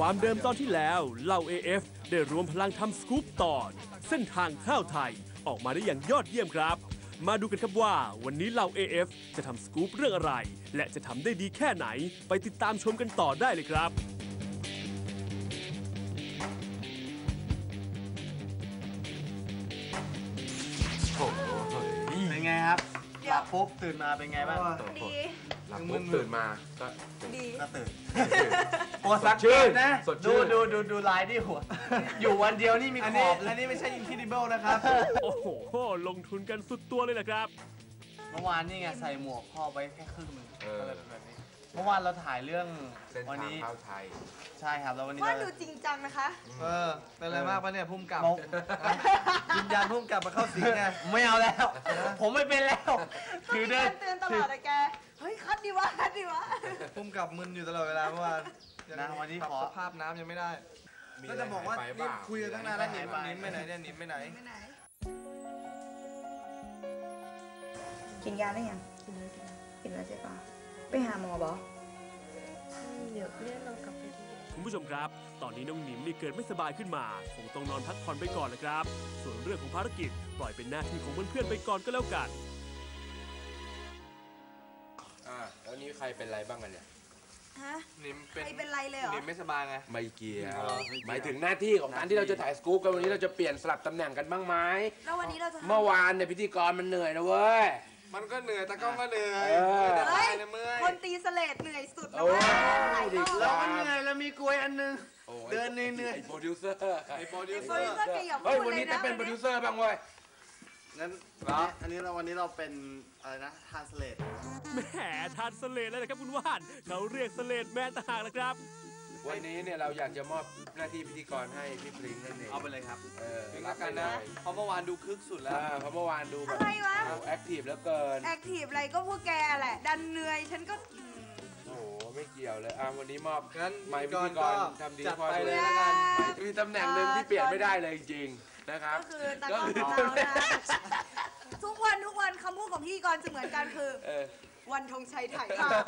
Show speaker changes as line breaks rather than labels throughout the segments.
ความเดิมตอนที่แล้วเหล่า AF ได้รวมพลังทำสกู๊ปตอนเส้นทางข้าวไทยออกมาได้อย่างยอดเยี่ยมครับมาดูกันครับว่าวันนี้เหล่า AF จะทำสกู๊ปเรื่องอะไรและจะทำได้ดีแค่ไหนไปติดตามชมกันต่อได้เลยครับ
เป็นไงครับหลับปุ๊บตื่นมาเป็นไงบ้าง
ดี
หลับปุ๊บตื่นมาก็
ดี
ก็ตื่นโอ้สักชื่นนะดูลายที่หัวอยู่วันเดียวนี่มีขอบและนี่ไม่ใช่ Incredible นะครับ
โอ้โหลงทุนกันสุดตัวเลยนะครับ
เมื่อวานนี่ไงใส่หมวกพ่อไปแค่ครึ่งนึงแบบนี้เมื่อวานเราถ่ายเรื่องวันนี้
ข้าวไทย
ใช่ครับแล้ววันนี้
ว่าดูจริงจังนะคะ
เป็นอะไรมากปะเนี่ยพุ่มกับวิญญาณพุ่มกับมาเข้าสิงไงไม่เอาแล้วผมไม่เป็นแล้ว
คือเดินเตือนตลอดเลยแกเฮ้ยคัดดีวะ
พุ่มกับมึนอยู่ตลอดเวลาเมื่อวานนะวันนี้ขอสภาพน้ำยังไม่ได้ก็จะบอกว่านี่คุยกันตั้งนานแล้วนิ่มไปไหนเนี่ยนิ่มไปไหน
กินยาได้ยังกินแล้วใช่ปะไปหาหมอบอ
เดี๋ยวเรียกเรากลับไปดู
คุณผู้ชมครับตอนนี้น้องหนิมนี่เกิดไม่สบายขึ้นมาคงต้องนอนพักผ่อนไปก่อนนะครับส่วนเรื่องของภารกิจปล่อยเป็นหน้าที่ของเพื่อนๆไปก่อนก็แล้วกัน
แล้วนี้ใครเป็นไรบ้างกันเนี่ย
ฮะ
นิม
เป็นไรเลยเหรอ
นิมไม่สบายไง
ไม่เกี่ยวหมายถึงหน้าที่ของการที่เราจะถ่ายสกู๊ปกันวันนี้เราจะเปลี่ยนสลับตำแหน่งกันบ้างไหม
แล้ววันนี้เราจะ
เมื่อวานเนี่ยพิธีกรมันเหนื่อยนะเว้ย
มันก็เหนื่อยแต่ก็เหนื่อย
คนตีสเลดเหนื่อยสุดแล้ว
เราเหนื่อยแล้วมีกลวยอันนึงเดินเหนื่อย
โปรดิวเซอร์
เฮ้ย
วันนี้จะเป็นโปรดิวเซอร์บ้างเว้ย
งั้นวันนี้เราเป็นอะไรนะทานสเลด
แหมทานสเลดเลยนะครับคุณว่านเขาเรียกสเลดแม่ต่างนะครับ
วันนี้เนี่ยเราอยากจะมอบหน้าที่พิธีกรให้พี่พลิงนั่นเอง
เอาไปเลยครับรับกันนะเพราะเมื่อวานดูคึกสุดแล้ว
เพราะเมื่อวานดูแบบแอคทีฟแล้วเกิน
แอคทีฟอะไรก็พวกแกแหละดันเหนื่อยฉันก็
โอ้โหไม่เกี่ยวเลยวันนี้มอบ
งั้น
ไม่พิธีกรทำดีพอเลยแล้วกันมีตำแหน่งหนึ่งที่เปลี่ยนไม่ได้เลยจริงๆนะครับ
ก็คือตากล้องของเรานะทุกวันคำพูดของพิธีกรจะเหมือนกันคือวันธงชัยถ่ายภาพ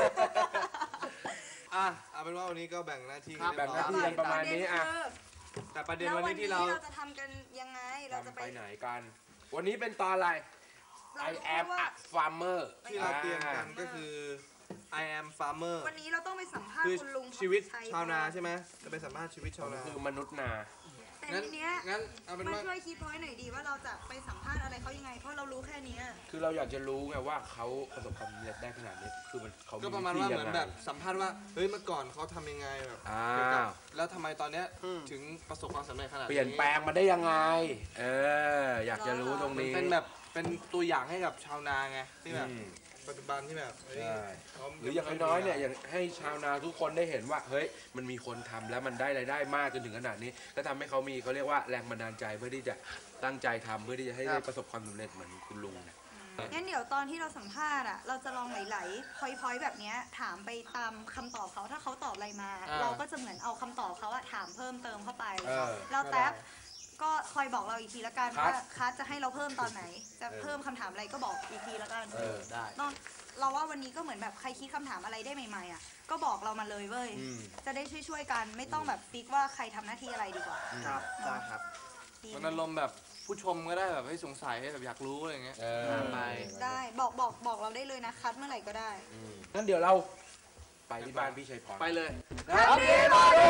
เอาเป็นว่าวันนี้ก็แบ่งหน้าที่
กันประมาณนี้
แต่ประเด็นวันนี้ที่เรา
จะทำกันยังไงเราจะ
ไปไหนกันวันนี้เป็นตอนอะไร I am a farmer
ที่เราเตรียมกันก็คือ I am farmer
วันนี้เราต้องไปสัมภาษณ์คุณลุง
ชีวิตชาวนาใช่ไหมจะไปสัมภาษณ์ชีวิตชาวนา
คือมนุษย์นา
แต่ทีเนี้ยมาช่วยคิดพ้อยหน่อยดีว่าเราจะไปสัมภาษณ์อะไรเขายังไงเพราะเรารู้แค่นี้
คือเราอยากจะรู้ไงว่าเขาประสบความสำเร็จได้ขนาดนี้คือมันเขา
ก็ประมาณว่าเหมือนแบบสัมภาษณ์ว่าเฮ้ยเมื่อก่อนเขาทำยังไงแบบแล้วทำไมตอนเนี้ยถึงประสบความสำเร็จขนาดนี้
เปลี่ยนแปลงมาได้ยังไงอยากจะรู้ตรงนี้
เป็นแบบเป็นตัวอย่างให้กับชาวนาไงที่แบบปัจจุบันที่แบบ
หรืออย่างน้อยเนี่ยอย่างให้ชาวนาทุกคนได้เห็นว่าเฮ้ยมันมีคนทำแล้วมันได้รายได้มากจนถึงขนาดนี้ก็ทำให้เขามีเขาเรียกว่าแรงบันดาลใจเพื่อที่จะตั้งใจทำเพื่อที่จะให้ได้ประสบความสำเร็จเหมือนคุณลุงเนี่ย
งั้นเดี๋ยวตอนที่เราสัมภาษณ์เราจะลองไหลๆพอยแบบนี้ถามไปตามคำตอบเขาถ้าเขาตอบอะไรมาเราก็จะเหมือนเอาคำตอบเขาถามเพิ่มเติมเข้าไปแล้วแท็บก็คอยบอกเราอีกทีละกันว่าคัสจะให้เราเพิ่มตอนไหนจะเพิ่มคำถามอะไรก็บอกอีกทีละกัน
ได้
เราว่าวันนี้ก็เหมือนแบบใครคิดคำถามอะไรได้ใหม่ๆก็บอกเรามาเลยเว้ยจะได้ช่วยกันไม่ต้องแบบฟิกว่าใครทำหน้าที่อะไรดีกว่า
ครับได้ครับมันอารมณ์แบบผู้ชมก็ได้แบบให้สงสัยให้แบบอยากรู้อะไรเงี้ย
ไปได้บอกเราได้เลยนะคัสเมื่อไหร่ก็ได้
งั้นเดี๋ยวเราไปที่บ้านพี่ชัยพร
ไปเลย
ครับพี่มาดู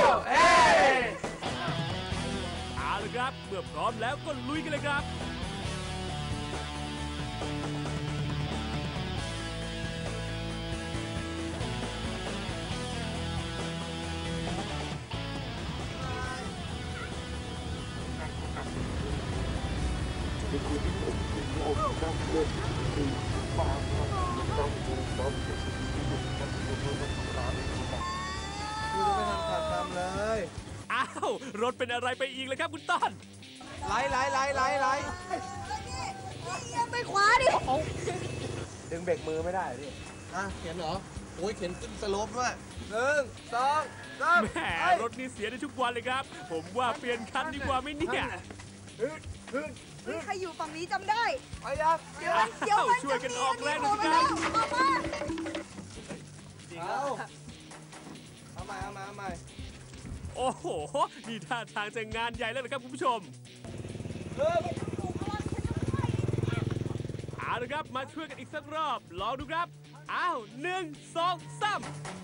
เอาละครับเมื่อพร้อมแล้วก็ลุยกันเลยครับอ้าวรถเป็นอะไรไปอีกเลยครับคุณต้น
ไล่
ไปขวาดิ
ดึงเบรกมือไม่ได้ดิ
เข็นเหรอโอ้ยเข็นขึ้นสโลปด้วย1 2 3
แหมรถนี่เสียได้ทุกวันเลยครับผมว่าเปลี่ยนคันดีกว่าไหมเนี่ย
ใครอยู่ฝั่งนี้จำได้
ไปยัก
เดี๋ยว
ช่วยกันออกแรงหน่อยครับ
เอาใหม่
อ้โหนี่ท่าทางจะงานใหญ่แล้วนะครับคุณผู้ชมเอาละครับมาช่วยกันอีกสักรอบลองดูครับอ้าว1 2 3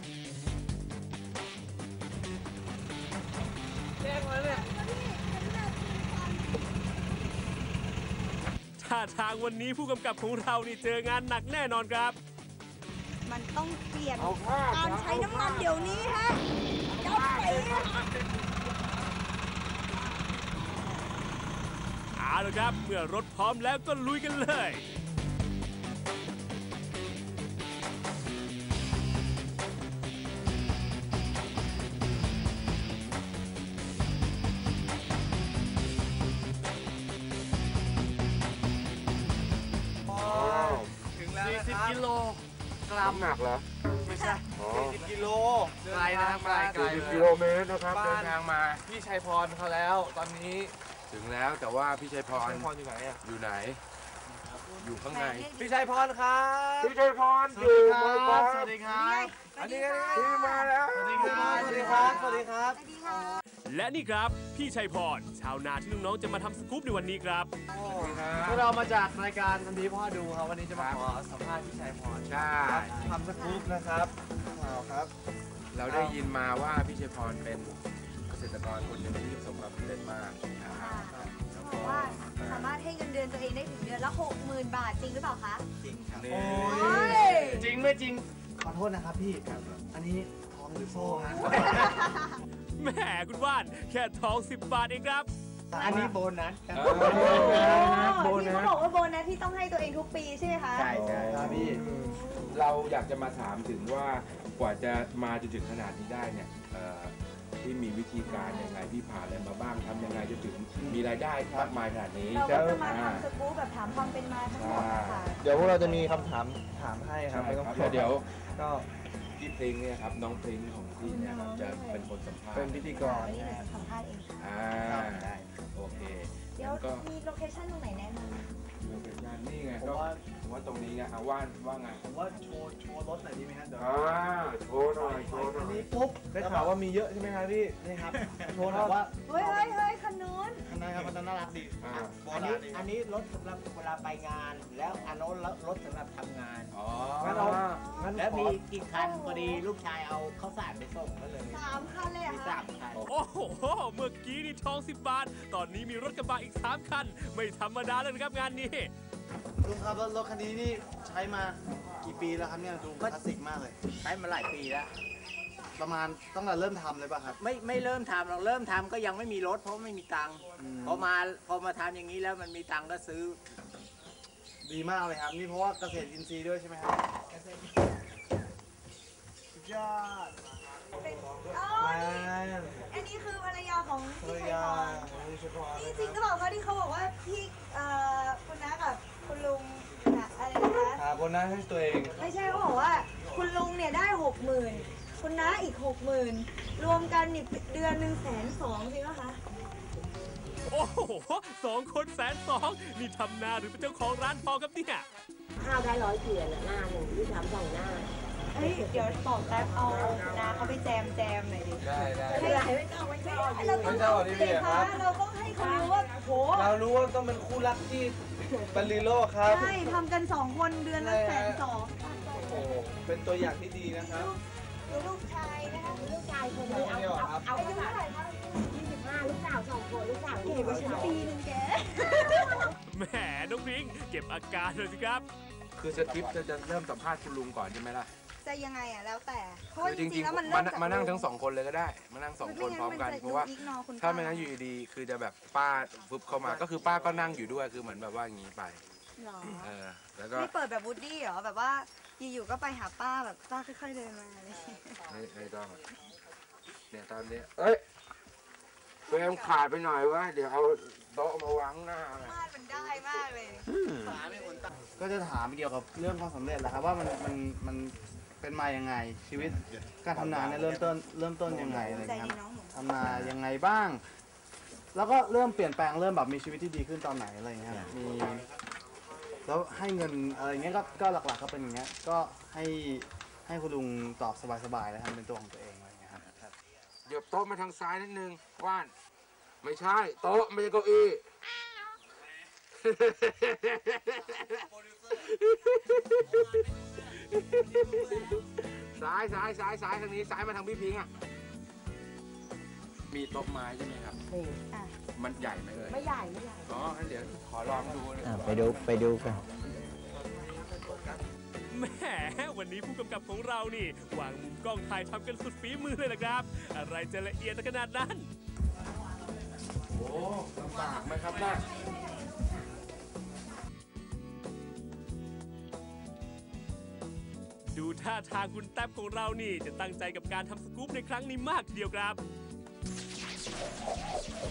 ท่าทางวันนี้ผู้กำกับของเรานี่เจองานหนักแน่นอนครับ
มันต้องเปลี่ยนการใช้น้ำมันเดี๋ยวนี้ฮะเจ้าไป
เอาละครับเมื่อรถพร้อมแล้วก็ลุยกันเลย
ถึงแล้วนะครับ
40 กิโลกรัม
หนักเหรอ
ไม่ใช่
40 กิโล
ไกลนะครับไกล
40 กิโลเมตรนะครับเดินทางมา
พี่ชัยพรเขาแล้ว ตอนนี้
ถึงแล้วแต่ว่าพี่ชัยพร
พรอยู่ไหนอ่ะ
อยู่ไหน อยู่ข้างใน
พี่ชัยพรครับ
พี่ชัยพร
สวัสดีครับสวัสดีครับ
อันนี้
พี่มาแล้ว
สวัสดีครับ สวัสดีครับ สวัสดีครับ
สวัสดีค่ะ
และนี่ครับพี่ชัยพรชาวนาที่น้องๆจะมาทำสกู๊ปในวันนี้ครับ
พวกเรามาจากรายการทันทีพ่อดูครับวันนี้จะมาขอสัมภาษณ์พี่ชัยพร
ใช่
ทำสกู๊ปนะครับว้าวครับ
เราได้ยินมาว่าพี่ชัยพรเป็นเกษตรกรคนหนึ่งที่ประสบความสำเร็จมากนะครับ
เขาบอกว่าสามารถให้เงินเดือนตัวเองได้ถึงเดือนละ 60,000 บาทจริงหรือเปล่าคะ
จริงครับ
นี่
โอ้ย
จริงไม่จริง
ขอโทษนะครับพี่ อันนี้ทองหรือโซ่ฮะ
แหมคุณว่านแค่ทอง10 บาทเองครับ
อันนี้โบนัสครับ
ที่เขาบอกว่าโบนัสที่ต้องให้ตัวเองทุกปีใช่ไหมคะ
ใช่ใช่
ครับพี่
เราอยากจะมาถามถึงว่ากว่าจะมาจนถึงขนาดนี้ได้เนี่ยที่มีวิธีการยังไงพี่ผ่านอะไรมาบ้างทำยังไงจะถึงมีรายได้มากมายขนาดนี้
เราก็จะมาทำสกู๊ปแบบถามความเป็นมาทั้งหมดนะคะ
เดี๋ยวพวกเราจะมีคำถามให้ครับ
ใช่
ไม่ต้อง
ครับ
กลัว
เดี๋ยว
ก็
พี่พริ้งเนี่ยครับน้องพริ้งของพี่เนี่ยครับจะเป็นคนสัมภาษ
เป็น
ณ์
พิธีกร
นี่เราจะสัมภาษณ์เอง
ได้โอเค
เดี๋ยว
งั้นก็
มีโลเคชั่นตรงไหนแนะนำ
โลเคชั่นนี่ไงก็ผมว่าตรงนี้ไงว่าไง
ผมว่าโชว์รถหน่อยดีไหมครับเดี๋ยว
โชว์หน่อยโชว์หน่
อั
อน ย
นี้ปุ๊บได้ข่าวว่ามีเยอะใช่ไหมครับพี่นี่ครับโชว์หน่อยว่า
เฮ้ยเฮ้ยเฮ้ยคันนู้น
คันนั้นครับมันน่ารักดี โบ
อัน
รา
นี้
ณดี
อันนี้รถสำหรับเวลาไปงาน แล้วอันโน้นรถสำหรับทำงาน
อ๋อ
งั้นเอางั้น
แล้ว
ขอ
มีกี่คันพอดีลูกชายเอาข้าวสารไปส่งก็เลย
3 คันเลยเหร
มี
อะคะ
3 คัน
โอ้โหเมื่อกี้นี่ทอง10 บาท ตอนนี้มีรถกระบะอีก3 คัน ไม่ธรรมดาเลยนะครับงานนี้
ลุงครับรถคันนี้นี่ใช้มากี่ปีแล้วครับเนี่ยดูคลาสสิกมากเลย
ใช้มาหลายปีแล้ว
ประมาณตั้งแต่เริ่มทำเลยป่ะครับ
ไม่เริ่มทำเราเริ่มทำก็ยังไม่มีรถเพราะไม่มีตังค์พอมาทำอย่างนี้แล้วมันมีตังค์ก็ซื้อ
ดีมากเลยครับนี่เพราะว่าเกษตรอินทรีย์ด้วยใช่ไหมครับสุดยอด
เป็นอ๋อนี่อันนี้คือภรรยาของ
ภร
พี่
ร
ชัย
ยา
พร
นี่เฉพาะ
นี่จริงก็บอกเขาที่เขาบอกว่าพี่คุณน้ากับคุณลุงน่ะอะไรนะคะ
หาโบนัสให้ตัวเอง
ไม่ใช่เขาบอกว่าคุณลุงเนี่ยได้ 60,000 คุณน้าอีก 60,000 รวมกันนี่เดือนหนึ่ง120,000จริงไหมคะ
โอ้โห2 คน120,000นี่ทำนาหรือเป็นเจ้าของร้านทองครับเนี่ย
ข้าวได้100 เกวียนอะหน้าหนึ่งที่ทำ2 หน้า
เฮ้ยเดี๋ยวบอกแป๊บเอาน้าเขาไปแจมหน่อยดิ
ได้ได้
ไม่เป็นไรไม่ต้องไม่ต้อง
เราต้อง
ไม่ต้องเอาดีๆครับ
เราต้องให้เขารู้ว่าโห
เรารู้ว่าต้องเป็นคู่รักที่เป็นลีโร่ครับ
ใช่ทำกัน2 คนเดือนละ120,000
โอ้โหเป็นตัวอย่างที่ดีนะครับ
ลูกชายนะคะ
ลูกชายคนนี้เอา
อายุเท่าไหร่คะ
25 ลูกสาว2 คนลูกสาว
เก๋กว่าฉันปีนึงแก
แหมน้องพริ้งเก็บอาการเลยสิครับ
คือสคริปต์จะเริ่มสัมภาษณ์คุณลุงก่อนใช่ไหมล่ะ
จะยังไงอ่ะแล้วแต่เพราะว่า
คือ
จ
จ
ริ
ริ
ง
ง
ๆแล้วมัน
ๆ
เริ่มจาก
มานั่งทั้ง2 คนเลยก็ได้ มานั่ง2 คนพร้อมกันเพราะว่าถ้าไม่งั้นอยู่ดีๆคือจะแบบป้าฟึบเข้ามาก็คือป้าก็นั่งอยู่ด้วยคือเหมือนแบบว่าอย่างนี้ไป
หรอ
แล้วก็
ไม่เปิดแบบวูดดี้เหรอแบบว่าอยู่ๆก็ไปหาป้าแบบป้าค่อยๆเดินมาอะไรอย่างเงี้ย
ไม่ต้องเนี่ยตอนนี้เอ้ยเฟรมขาดไปหน่อยวะเดี๋ยวเอาโต๊ะมาวางหน้าเลย
บ้านมันได้มากเลย
ก็จะถามเกี่ยวกับเรื่องความสำเร็จแหละครับว่ามันเป็นมายังไงชีวิตการทำนาเนี่ยเริ่มต้นยังไงอะไร
ใจ
เงี้ย
ดี
ครับ
น้องหนู
ทำนายังไงบ้าง แล้วก็เริ่มเปลี่ยนแปลงเริ่มแบบมีชีวิตที่ดีขึ้นตอนไหนอะไรเงี้ยครับมีแล้วให้เงินอะไรเงี้ยก็หลักๆก็เป็นอย่างเงี้ยก็ให้คุณลุงตอบสบายๆแล้วทำเป็นตัวของตัวเองอะไรเงี้ยครับ
เหยียบโต๊ะมาทางซ้ายนิดนึงว่านไม่ใช่โต๊ะไม่ใช่เก้าอี้ ซ้ายทางนี้ซ้ายมาทางพี่พิงค์อ่ะมีโต๊ะไม้ใช่ไหมครับ
นี่
มันใหญ่ไหมเลย
ไม่ใหญ่ไม่ใหญ่
อ๋องั้นเดี๋ยวขอลองดูนะ
ไปดูกัน
แหมวันนี้ผู้กำกับของเรานี่วางมุมกล้องถ่ายทำกันสุดฝีมือเลยนะครับ อะไรจะละเอียดขนาดนั้น
โอ้ลำบากไหมครับน่ะ
ดูท่าทางคุณแท็บของเรานี่จะตั้งใจกับการทำสกู๊ปในครั้งนี้มากทีเดียวครับ